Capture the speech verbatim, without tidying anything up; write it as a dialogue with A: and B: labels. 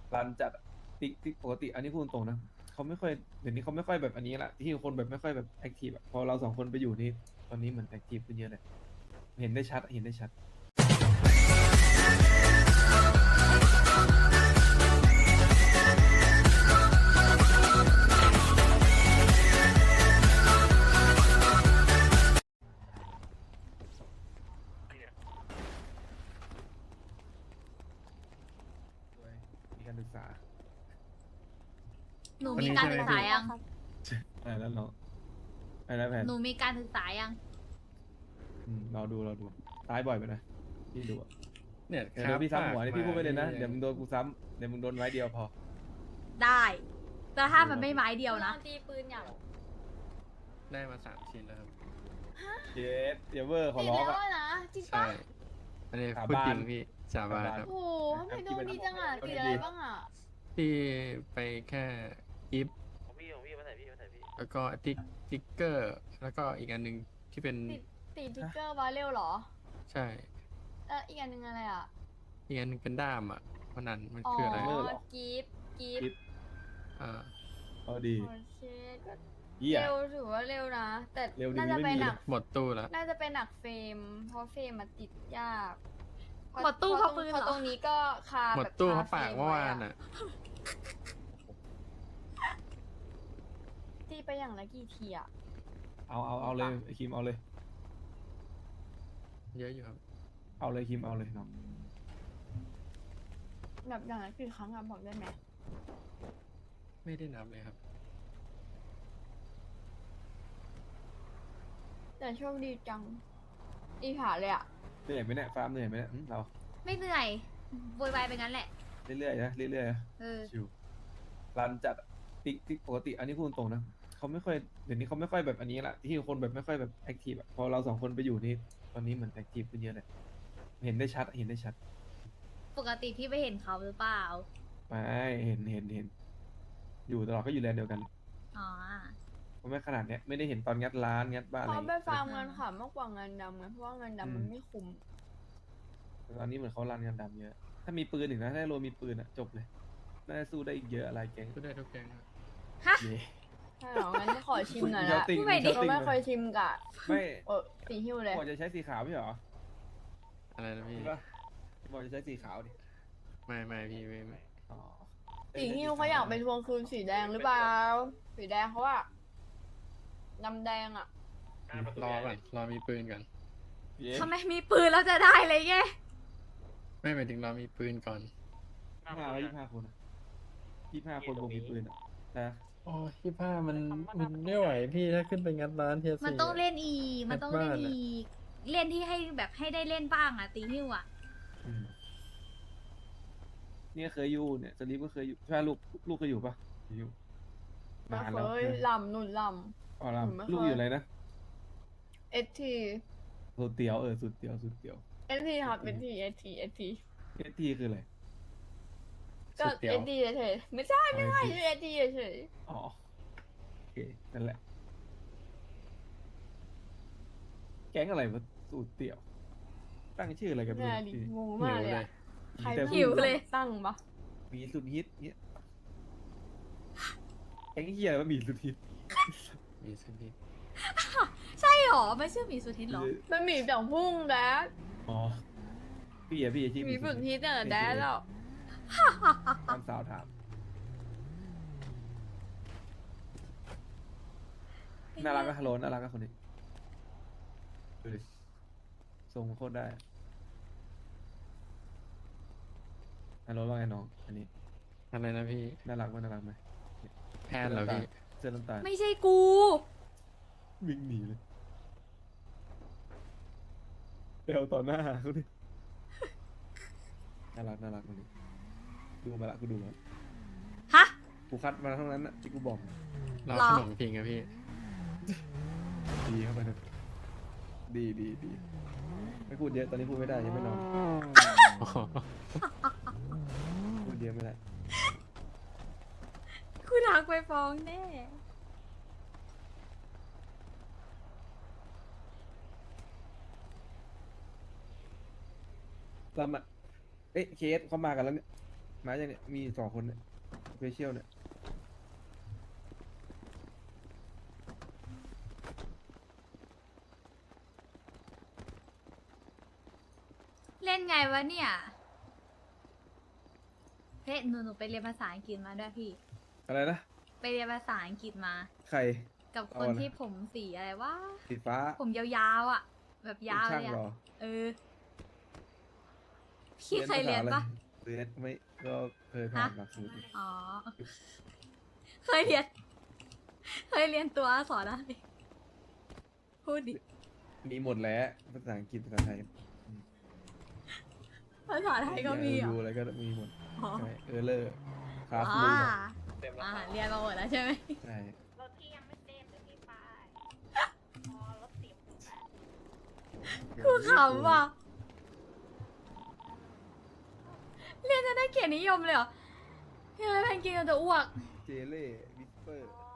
A: รันจัดอะติ๊กติ๊กปกติอันนี้พูดตรงๆนะเขาไม่ค่อยเดี๋ยวนี้เขาไม่ค่อยแบบอันนี้ละที่คนแบบไม่ค่อยแบบแอคทีฟอะพอเราสองคนไปอยู่นี่ตอนนี้เหมือนแอคทีฟขึ้นเยอะเลยเห็นได้ชัดเห็นได้ชัดด้วยมีการศึกษา
B: หนู
C: วัน
B: มี
C: นี้
B: การ
C: ใช่ไหม
B: ศึกษา
C: พี่
B: ยัง
A: อะไรแล้วเนาะอะไรนะแผน
B: หนูมีการศึกษายัง
A: อืมเราดูเราดูตายบ่อยไปนะพี่ดูอะ
C: เนี่ย
A: เดี๋ยวเดี๋ยวพี่ซ้ำหัวนี่พี่พูดไปเลยนะ
C: มา
A: เดี๋ยวมึงโดนกูซ้ำเดี๋ยวมึงโดนไว้เดียวพอ
B: ได้ แต่ถ้ามันไม่ไม้เดียวนะ
D: ตีปืนอย่าง
C: ได้มาสามชิ้นแล้วครับ
A: เย็ดเดี๋ยวเวอร์ขอ
D: ติด
A: ร้อง
D: แล้ว
A: อะ
D: อะนะจริง
C: ใช่
D: ปะ
C: อันนี้
A: สา
C: พูด
A: บาน
C: จริงพี่สาบานครับ
D: โอ้โหทำไมโดนดีจังอ่ะติดอะไรบ้างอ่ะ
C: พี่ไปแค่กิฟต์
E: ของพี่ของพี่มาใส่พี่มาใส่พี่
C: แล้วก็ติ๊กติ๊กเกอร์ แล้วก็อีกอันหนึ่งที่เป็น
D: ติดติดทิกเกอร์วาเร็วเหรอ
C: ใช่
D: แล้วอีกอันหนึงอะไรอ่ะ
C: อีกอันหนึงเป็นด้ามอ่ะเพราะนั้นมัน
D: อ๋อ
C: คืออะไร
D: กีฟกีฟ
A: กิฟ
C: อ่า
A: เอาดี
D: โอเคก็
A: เยี่ย
D: เร็วถือว่าเร็วนะ แต่
A: เร็วดี
D: น่าจะ
A: ไม่
D: ไป
A: มี
D: หนัก
C: หมดตู้แล้ว
D: น่าจะเป็นหนักเฟรม เพราะเฟรมมันติดยากเพราะ
B: หมดตู้
D: เพราะ
B: เพราะปืน
D: เพราะ
B: เหรอ
D: ตรงนี้ก็คา
C: หมด
D: แบบ
C: ตู้
D: ค
C: เขาปาก
D: ฟร
C: เมื่อวาน
D: ไะ
C: อ่ะ
D: ตีไปอย่างละกี่ทีอ่ะ
A: เอาเอาเอาเลยไอ้คิมเอาเลย
C: เยอะอยู่ครับ
A: เอาเลยคิมเอาเลยน้อง
D: แบบอย่างละกี่ครั้งอ่ะบอกได้ไหม
C: ไม่ได้นับเลยครับ
D: แต่โชคดีจังอีผาเลยอ่ะ
A: เหนื่อยไหมเนี่ยฟาร์มเหนื่อยไหมเนี่ยอืมเรา
B: ไม่เหนื่อยโวยวายไปงั้นแหละ
A: เรื่อยๆนะเรื่อยๆนะ
B: เออ
A: ชิวรันจัดอะติ๊กติ๊กปกติอันนี้พูดตรงๆนะเขาไม่ค่อยเดี๋ยวนี้เขาไม่ค่อยแบบอันนี้ละที่คนแบบไม่ค่อยแบบแอคทีฟอะพอเราสองคนไปอยู่นี่ตอนนี้เหมือนแอคทีฟขึ้นเยอะเลยเห็นได้ชัดเห็นได้ชัด
B: ปกติพี่ไปเห็นเขาหรือเปล่า
A: ไม่เห็นเห็นเห็น อยู่ตลอดก็อยู่แลนด์เดียวกัน
B: อ๋อ
A: เพราะไม่ขนาดเนี้ยไม่ได้เห็นตอนงัดร้านงัดบ้านอะไร
D: เขา
A: อย่าง
D: ไป
A: เงี้ย
D: ฟาร์มเงินค่ะมากกว่าเงินดำไงเพราะว่าเงินดำมันไม่คุ้ม
A: แต่ตอนนี้เหมือนเขารันกันดำเยอะ ถ้ามีปืนอีกนะถ้าโรมีปืนอะจบเลยน่าจะสู้ได้อีกเยอะอะไรแก๊ง
C: ก็ได้ทุกแกงครับ
B: ฮะ
A: เย่
D: ใช่เหรองั้นขอชิมหน่อย
A: เช้า
D: ละ
A: ติ่ง
B: พูดไปดิ
A: เช้า
D: เรา
A: ติ่ง
D: ไม่เคยชิมกะ
A: ไม่
D: เออสีหิ้วเลย
A: บอกจะใช้สีขาวไม่ใช่เหรอ
C: อะไรนะพี่
A: ใช่ปะบอกจะใช้สีขาวดิ
C: ไม่ไม่พี่ไม่ไม่
A: อ๋อ
D: สีหิ้วเขาอยากไปทวงคืนสีแดงหรือเปล่า สีแดงเขาอะดำแดงอะ
C: รอก่อนรอมีปืนก่อน
A: เย้
B: ทำไมมีปืนแล้วจะได้เลยแก
C: ไม่หมายถึงรอมีปืนก่อน
A: ยี่ห้าแล้วยี่ห้าคนอะยี่ห้าคนบวกมีปืนอะนะ
C: โอ้ยี่ห้ามันมันไม่ไหวพี่ถ้าขึ้นไปงัดร้านเทียสี่
B: มันต้องเล่นอีก มันต้องเล่น
C: บ้านอะ
B: อีก เล่นที่ให้แบบให้ได้เล่นบ้างอ่ะตีหิ้วอ่ะ
A: อืมเนี่ยเคยอยู่เนี่ยสลีปก็เคยอยู่ใช่ปะลูกลูกเคยอยู่ปะอยู่
D: ไม่
A: นาน
D: เค
A: แล้ว
D: ยลำนุ่นล
A: อ๋อล
D: หนูไม่เคย
A: ลูกอยู่อะไรนะ
D: ำเอสที
A: สุดเตี๋ยวเออสุดเตี๋ยวสุดเตี๋ยว
D: เอสทีครับเอสทีเอสทีเอสที
A: เอทีคืออะไร
D: ก็
C: สุดเตี๋ย
D: เอ
C: ว
D: สทีเฉยๆไม่ใช่ไม่ใช่เอสทีเฉย
A: อ๋อโอเคนั่นแหละ แก๊งอะไรวะสูตรเตี๋ยว ตั้งชื่ออะไรกัน
D: ๆ
A: ไม่
D: น่า
A: รู้
D: ดิ
A: ที่
D: งงมากเลยอะใคร
A: แต่
B: หิวเลย
D: ตั้งปะ
A: หมีสุดฮิตเนี่ยแก๊งเฮียอะไรวะหมีสุดฮิต
C: มีสิพี่
B: ใช่หรอ ไม่ชื่อหมีสุทินหรอ
D: มันหมีแต่พุ่งแดด
A: อ๋อพี่อะพี่อะชื่อ
D: หมีฝึกฮิตเนี่ยแดดแล้ว
A: ตามสาวถามน่ารักก็ฮัลโหลน่ารักก็คนนี้ดูดิทรงโคตรได้ฮัลโหลว่าไงน้องอันนี้
C: อะไรนะพี่
A: น่ารักไหมน่ารักไหม
C: แพนเหรอพี่
A: เสื้อน้ำตาล
B: ไม่ใช่กู
A: วิ่งหนีเลยเดวต่อหน้าเขาดิน่ารักน่ารักคนนี้ดูมาละกูดูมาละ
B: ฮะ
A: กูคัดมาทั้งนั้นนะที่กูบอก
C: รอ
B: หรอ
C: ขนมพิงอะพี่
A: ดีเข้าไปนะดีดีดีไม่พูดเยอะตอนนี้พูดไม่ได้ยังไม่นอน
C: อ๋อ
A: พูดเยอะไม่ได้
B: กูทักไปฟ้องแน่
A: เรามาเอ๊ะเคสเขามากันแล้วเนี่ยมาอย่างเนี้ยมีสองคนเนี่ยสเปเชียลเนี่ย
B: เล่นไงวะเนี่ยเฮ้ยหนูหนูไปเรียนภาษาอังกฤษมาด้วยพี่
A: อะไรนะ
B: ไปเรียนภาษาอังกฤษมา
A: ใคร
B: กับค
A: เอา
B: น
A: อะไร
B: ที่ผมสีอะไรวะ
A: สีฟ้า
B: ผมยาวๆอ่ะ แบบยาว
A: เป็น
B: เล
A: ช่าง
B: ย
A: เหร
B: อ่ะ
A: อ
B: เออ พี่เคยเรียนปะ
A: เรียนไม่ก็เคยผ่านหลักสูตรอยู่
B: อ๋อ เคยเรียน เคยเรียนตัวอักษรอะไรพูดดิ
A: มีหมดแล้วภาษาอังกฤษภาษาไทย
B: ภาษาไทยก็มีเหร
A: ดู
B: อ
A: อะไรก็มีหมด
B: อ๋อ
A: ใช่เออเลอร์คลาส
B: อ่า
A: รูม
E: เต็มแล้ว
B: อ่า
E: ครับ
B: เรียนมาหมดแล้วใช่ไหม
A: ใช่
F: รถที่ยังไม่เต็มจะมีป้ายอ๋อรถติด
B: กูขำว่ะ เรียนจะได้เกียรตินิยมเลยเหรอพี่เอ้ยแพนกินจะอ้วก
A: เจเล่วิสเปอร์
F: อ๋อ